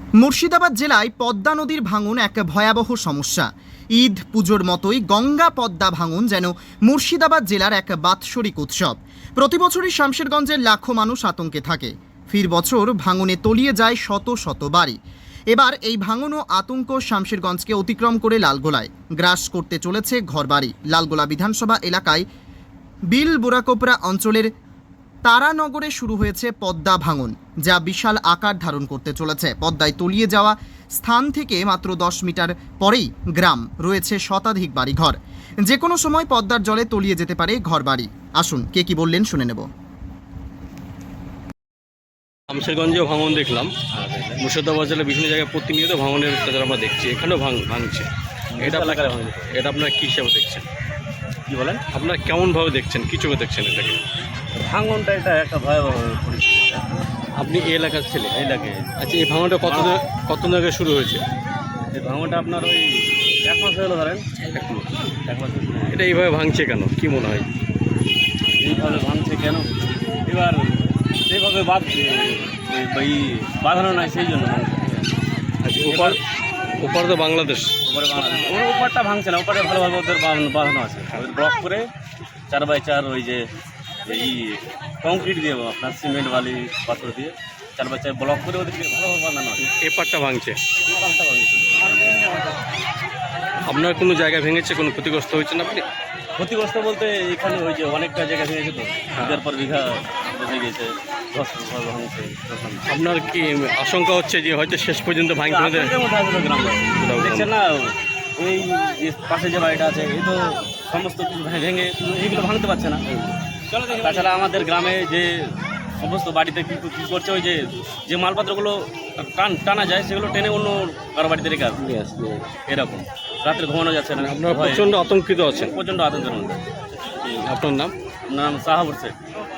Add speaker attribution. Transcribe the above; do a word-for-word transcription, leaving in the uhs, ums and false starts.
Speaker 1: মুর্শিদাবাদ জেলায় পদ্মা নদীর ভাঙন এক ভয়াবহ সমস্যা। ঈদ পুজোর মতোই গঙ্গা পদ্মা ভাঙন যেন মুর্শিদাবাদ জেলার এক বাৎসরিক উৎসব। প্রতি বছরই শামশেরগঞ্জের লাখো মানুষ আতঙ্কে থাকে। ফির বছর ভাঙনে তলিয়ে যায় শত শত বাড়ি। এবার এই ভাঙন ও আতঙ্ক শামশেরগঞ্জকে অতিক্রম করে লালগোলায় গ্রাস করতে চলেছে ঘরবাড়ি। লালগোলা বিধানসভা এলাকায় বিল বুড়াকোপড়া অঞ্চলের তারানগরে শুরু হয়েছে পদ্মা ভাঙন, যা বিশাল আকার ধারণ করতে চলেছে। পদ্মায় তলিয়ে যাওয়া স্থান থেকে মাত্র দশ মিটার পরেই গ্রাম, রয়েছে শতাধিক বাড়িঘর। যে কোনো সময় পদ্মার জলে তলিয়ে যেতে পারে ঘরবাড়ি। আসুন কে কি বললেন শুনে নেব।
Speaker 2: শামশেরগঞ্জেও ভাঙন দেখলাম, মুর্শিদাবাদ জেলার বিভিন্ন জায়গায় প্রতিনিয়ত ভাঙনের কাজ আমরা দেখছি, এখানেও ভাঙ ভাঙছে এটা এলাকায় ভাঙছে। এটা আপনারা কী হিসাবে দেখছেন?
Speaker 3: কি বলেন?
Speaker 2: আপনারা কেমনভাবে দেখছেন, কী চোখে দেখছেন এটাকে?
Speaker 3: ভাঙনটা এটা একটা ভয়াবহ পরিস্থিতি।
Speaker 2: আপনি এই এলাকার ছেলে?
Speaker 3: এই লাগে।
Speaker 2: আচ্ছা, এই ভাঙনটা কত কত জায়গায় শুরু হয়েছে?
Speaker 3: এই ভাঙনটা আপনার ওই এক মাস হলো ধরেন, এক মাস এক মাস
Speaker 2: এটা এইভাবে ভাঙছে কেন, কি মনে হয়?
Speaker 3: এইভাবে ভাঙছে কেন? এবার সেইভাবে বাদ এই বাঁধানো নাই, সেই জন্য ভাঙছে।
Speaker 2: আচ্ছা, ওপার ওপার তো বাংলাদেশ।
Speaker 3: ওপরে বাংলাদেশ, ওর ওপারটা ভাঙছে না, ওপারে ভালোভাবে ওদের বাঁধ- বাঁধানো আছে। ওই ব্লক করে চার বাই চার ওই যে এই কংক্রিট দিয়ে আপনার সিমেন্ট বালি পাথর দিয়ে চার বাই চার ব্লক করে ওদেরকে ভালোভাবে বাঁধানো আছে।
Speaker 2: এপারটা ভাঙছে।
Speaker 3: ওপারটা ভাঙছে।
Speaker 2: আপনার কোনো জায়গা ভেঙেছে, কোনো ক্ষতিগ্রস্ত হয়েছেন আপনি?
Speaker 3: ক্ষতিগ্রস্ত বলতে এখানে ওই যে অনেকটা জায়গা ভেঙেছে, তো বিঘার পর বিঘা বেঁচে গেছে, দশ ঘর ভাঙছে।
Speaker 2: আপনার কি আশঙ্কা হচ্ছে যে হয়তো শেষ পর্যন্ত ভাঙতে হবে?
Speaker 3: আতঙ্কের মধ্যে আছে তো গ্রামবাসী। দেখছেন না, এই যে পাশে যে বাড়িটা আছে, এই তো সমস্ত কিছু ভে- ভেঙে এইগুলো ভাঙতে পারছে না। তাছাড়া আমাদের গ্রামে যে সমস্ত বাড়িতে কী কী করছে, ওই যে যে মালপত্রগুলো টান টানা যায় সেগুলো টেনে অন্য কারো বাড়িতে রেখে আসবে, এরকম রাত্রে ঘুমানো যাচ্ছে না।
Speaker 2: আপনারা
Speaker 3: ভয়ে
Speaker 2: প্রচণ্ড আতঙ্কিত আছেন।
Speaker 3: প্রচণ্ড আতঙ্কের মধ্যে।
Speaker 2: আপনার নাম?
Speaker 3: আপনার নাম সাহাবুর শেখ।